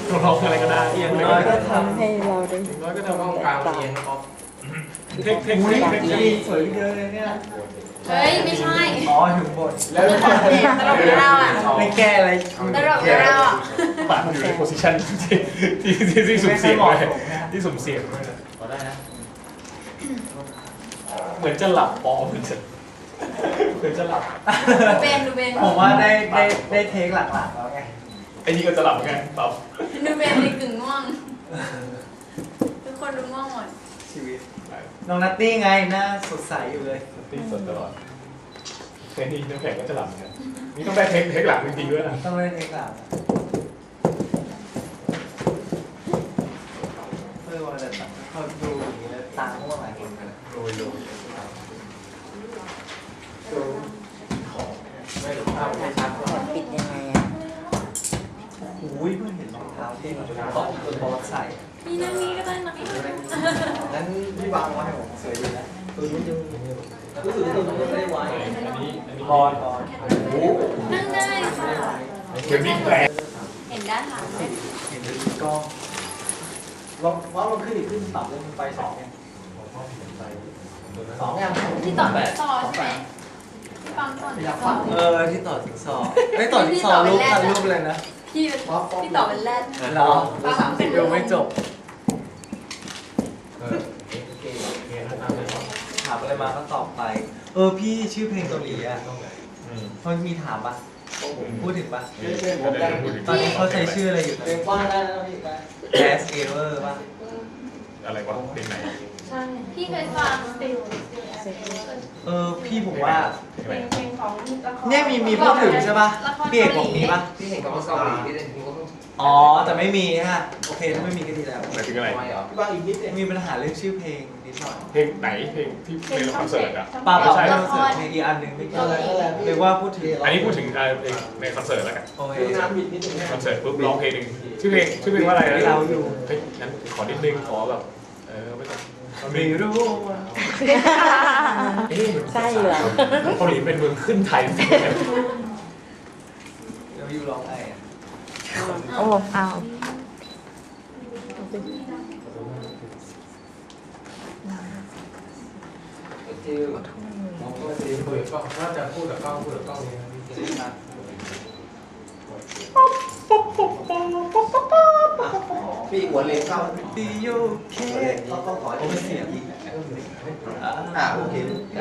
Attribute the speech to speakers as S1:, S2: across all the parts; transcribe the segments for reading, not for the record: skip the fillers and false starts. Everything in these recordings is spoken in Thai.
S1: ร้องอะไรก็ได้เอียงเลย
S2: ก็ทำให้เราได้
S1: น้อยก็
S3: ต้อง
S1: ทำ
S3: กลางเอียงครับ
S1: เทค
S4: สวยเยอะเลยเนี่ย
S5: เฮ้ยไม่ใช่
S4: อ๋อถึงบท
S3: แล้ว
S5: ตลกของเราอ่ะ
S4: ไม่แก้อะไร
S5: ตลกของเราอ่ะ
S1: ปากอยู่ในโพสิชันที่สุ่มเสี่ยงเลยที่สุ่มเสี่ยงเลย
S3: พอได้นะ
S1: เหมือนจะหลับปอเหมือนจะหลับ
S5: ดูเบน
S4: ผมว่าได้เทคหลักๆแล้วไง
S1: ไอ้นี่ก็จะหลับไงหลับ
S5: ดูเบนในกึ่งง่วงทุกคนดูง่วงหมด
S4: ชีวิตน้องนัตตี้ไงหน้าสดใสอยู่เลย
S1: ตีสดตลอดเทคนี้น้ำแข็งก็จะหลับไงนี่ต้องได้เทคหลังจริงๆด้วยนะ
S4: ต้องเล่นเทคหลักว่าแต่เขาดูอย่างนี้แล้วตาม่วงอะไรกันเลย
S1: โรยดูของไม่หรือภาพไม่ชัด
S2: ปิดยังไงอ่ะ
S4: อุ้ยเพิ่งเห็นรองเท้าที่มันตอกบอสใส่
S5: มีนั่งนี้ก็ได้นะ
S4: นั้นพี่วางไว้ให้ผมสวยดีนะตัวนี้จะรู้สึกว่าตัวนี้ไม่ได้ไว้
S1: อันนี้
S4: บอล
S1: โอ้
S5: นั่งได้ค่ะ
S1: เกมวิ่งแรง
S5: เห็นด้านหลังไหม
S4: เห็นเป็นกล้องลองว่ามันขึ้นอีกขึ้นต่ำลงไปสองยังสองยัง
S5: ที่ต่อต่อใช่ไหมที่ปั๊มต่อ
S4: อยากฟังที่ต่อถึงสองไม่ต่อถึงสองรูปทันรูปเลยนะ
S5: พี่ที่ต่อเป็นแรด
S4: เหรอ30ยังไม่จบถามอะไรมาก็ตอบไปพี่ชื่อเพลงเกาหลีอ่ะมันมีถามปะพูดถึงปะตอนนี้เขาใช้ชื่ออะไรอยู่เพลงว่าได้แล้วพี่ Last Ever ป่ะ
S1: อะไรวะเป็นไหน
S5: ใช่พี่เคยฟัง
S4: พี่ผมว่า
S1: เป็นไหน
S4: เนี่ยมีพูดถึงใช่ป่ะพี่เอกบอกมีป่ะ
S3: ที่เห็นกับเกาหลีที่เล่นที่ก็
S4: อ๋อแต่ไม่มีฮะโอเคถ้าไม่มีก็ดีแล้ว
S1: หมายถึงอะไร
S3: ไม่เหรอ
S4: พี่บางอีกนิดมีปัญหาเรื่องชื่อเพลงนิดหน่อย
S1: เพลงไหนเพลงที่ในคอนเสิร์ตอ่ะ
S4: ป้าบอกให้เราเสิร์ชเพลงอีกอันหนึ่งไม่เกี่ยวเรียกว่าพูดถึง
S1: อันนี้พูดถึงเพลงในคอนเสิร์ตแล้วกัน
S4: โอเค
S1: คอนเสิร์ตปุ๊บร้องเพลงหนึ่งชื่อเพลงว่าอะไรนะ
S4: เราอยู่
S1: เฮ้ยงั้นขอนิดนึงขอแบบไม่ต้อง
S4: ไม่รู้ว่า
S2: ใช่เหรอ
S1: เกาหลีเป็นเมืองขึ้นไทย
S4: เราอยู่ร้องไงอ่ะ
S2: โอ้เอา
S3: ที่มองก็ดีคุยก็น่าจะพูดกับกล้องนี้นะ พี่หัวเลนเข้า
S4: ดีโยเค
S3: เขาต้องขอ
S4: โอ้เสียง
S3: โอเค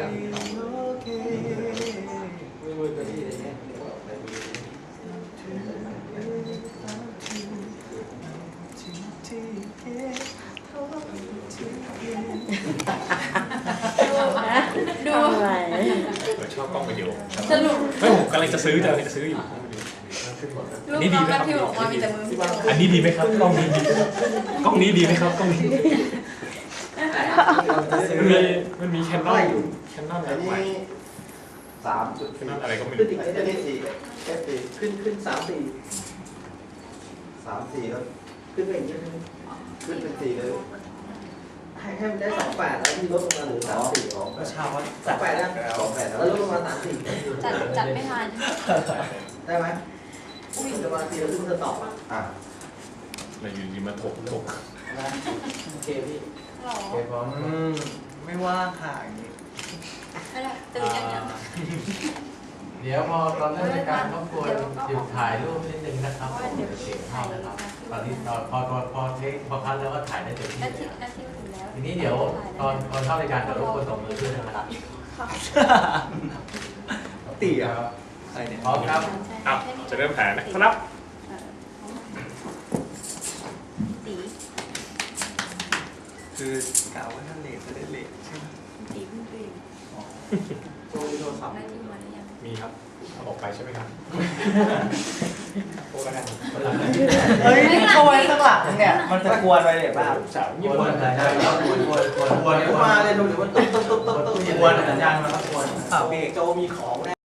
S5: ดู
S2: อะไร
S1: ชอบกล้องวิดีโอ
S5: สรุป
S1: ไม่ผมกำลังจะซื้ออยู่
S5: ลูกน้องแมทธิวออกมามีแต่มือ
S1: อันนี้ดีไหมครับกล้องนี้ดีกล้องนี้ดีไหมครับกล้องนี้มันมีแคนนอนแคนนอน
S3: อันนี้
S1: ใหม่
S3: 3.4
S1: แคนนอนอะไรก็ไม่
S3: ขึ้น
S1: รู้
S3: อีกจะได้4แค่4ขึ้น3 4แล้วขึ้นไปอีกนิดนึงขึ้นเป็น4เลยให้มันได้28แล้วที่ลดลงมาเหลือ34อ๋อ
S4: ก็ชาวว่า
S3: 28แล้ว28แล้วลดลงมา34
S5: จัดไม่ทัน
S3: ได้ไหมวิ่งจะมาทีแล้วขึ้นจะตอบอ่ะ
S1: เราอยู่ดีมาถก
S3: โอเคพี่
S5: หรอ
S3: โอเคพร้อม
S4: ไม่ว่างค่ะอย่างนี้
S5: ไม่ได้ตื่นยังยัง
S6: เดี๋ยวพอตอนเริ่มรายการรบกวนหยุดถ่ายรูปนิดนึงนะครับผมเดี๋ยวเสียงเข้านะครับตอนนี้พอเทคพอคัดแล้วก็ถ่ายได้เต็มที่
S5: นาที
S6: แล้ว
S5: นาทีถึงแล้ว
S6: ทีนี้เดี๋ยวตอนเข้ารายการเดี๋ยวรบกวนส่งมือขึ้นนะครับ
S4: ตีอ่ะอะไรเนี่ย
S6: พร้อมครับ
S1: อ้าวจะเริ่มแผนนะครับ
S5: ตี
S4: คือกล่าวว่าถ้าเลทจะได้เลทใช่ไหม
S5: ตีเพิ่งตื่น
S3: โทรศัพท์
S5: นาทีมาหรือยัง
S1: มีครับเอาออกไปใช่ไหมครับโอ้แล้วกัน
S4: เฮ้ยนี่เข้าไว้ข้างหลังเนี่ยมันจะกวนไปเลยป่ะ
S1: สาว
S6: ก
S1: ญี่
S6: ว
S1: ปุ่น
S6: นสัญญาณครับกวน
S3: เดี๋ยวมาเลยดูเดี๋ยวมันตุ๊บ
S6: เปลี่ยนสัญญาณมาครับกวน
S4: เบรก
S3: โจมีของแน่